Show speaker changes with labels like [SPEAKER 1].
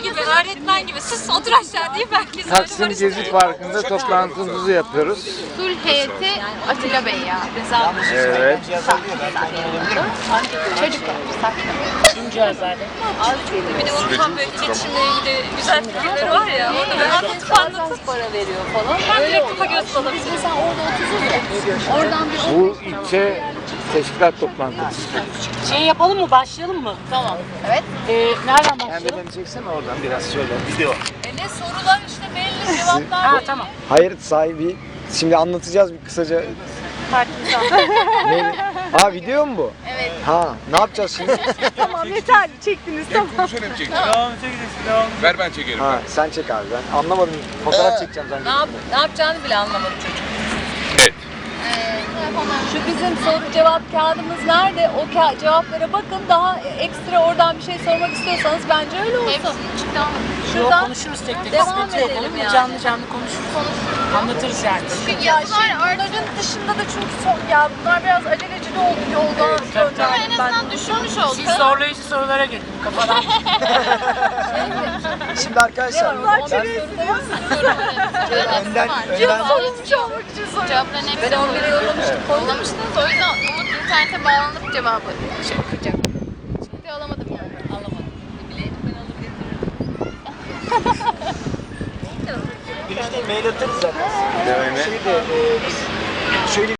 [SPEAKER 1] gibi, öğretmen gibi. Sus otur aşağı deyip herkes
[SPEAKER 2] Taksim Gezi Parkı'nda toplantımızı yapıyoruz.
[SPEAKER 3] Sulh heyeti Atilla Bey ya.
[SPEAKER 2] Evet.
[SPEAKER 3] Çocuklar.
[SPEAKER 1] Bir de onun tam böyle iletişimle ilgili güzel fikirleri var ya. Onu böyle anlatıp
[SPEAKER 3] Para veriyor falan.
[SPEAKER 1] böyle kafa göz olabilir.
[SPEAKER 3] Mesela orada otururuz ya. Oradan bir
[SPEAKER 2] Bu ilçe teşkilat toplantısı.
[SPEAKER 4] Şey yapalım mı? Başlayalım mı? Tamam.
[SPEAKER 3] Evet.
[SPEAKER 4] Nereden
[SPEAKER 2] Sen de
[SPEAKER 4] başlayalım?
[SPEAKER 2] beni çeksene oradan biraz şöyle. Video.
[SPEAKER 1] Ne sorular işte belli cevaplar.
[SPEAKER 4] Ha tamam.
[SPEAKER 5] Hayır sahibi. Şimdi anlatacağız bir kısaca. Ne? Ha video mu bu?
[SPEAKER 3] Evet.
[SPEAKER 5] Ha ne yapacağız şimdi?
[SPEAKER 4] Tamam yeter. Çektiniz tamam.
[SPEAKER 6] Konuşan hep çekin. Ver ben çekerim.
[SPEAKER 5] Ha sen çek abi ben anlamadım. Fotoğraf çekeceğim zannettim.
[SPEAKER 1] Ne yapacağını bile anlamadı çocuk.
[SPEAKER 6] Evet.
[SPEAKER 1] Şu bizim soru cevap kağıdımız nerede? O cevaplara bakın. Daha ekstra oradan bir şey sormak istiyorsanız bence öyle olsun.
[SPEAKER 3] Hepsini çıktı ama.
[SPEAKER 4] Yok
[SPEAKER 1] Şuradan
[SPEAKER 4] konuşuruz tek tek.
[SPEAKER 1] devam
[SPEAKER 4] Sıkıntı yok.
[SPEAKER 1] edelim
[SPEAKER 4] Olur mu?
[SPEAKER 1] yani.
[SPEAKER 4] Canlı canlı konuşuruz. Anlatırız yani.
[SPEAKER 3] Çünkü
[SPEAKER 1] Ya
[SPEAKER 3] yazılar
[SPEAKER 1] bunların dışında da çünkü ya bunlar biraz aceleci oldu yolda.
[SPEAKER 3] ama en azından düşünmüş olduk.
[SPEAKER 4] Siz zorlayıcı sorulara gelin kafadan.
[SPEAKER 5] Şimdi arkadaşlar ben önden
[SPEAKER 1] Sonuç olmak için soruyorum.
[SPEAKER 3] Cevapların hepsini
[SPEAKER 1] Ben 11'e yollamıştım.
[SPEAKER 3] yollamıştınız. O yüzden Umut internete bağlanıp cevabı şey yapacak. Şimdi alamadım yani.
[SPEAKER 1] Alamadım. Bileydim ben alır getiririm.
[SPEAKER 5] Güneş'te mail atarız zaten.
[SPEAKER 2] Dememe.
[SPEAKER 5] Şeyde biz şöyle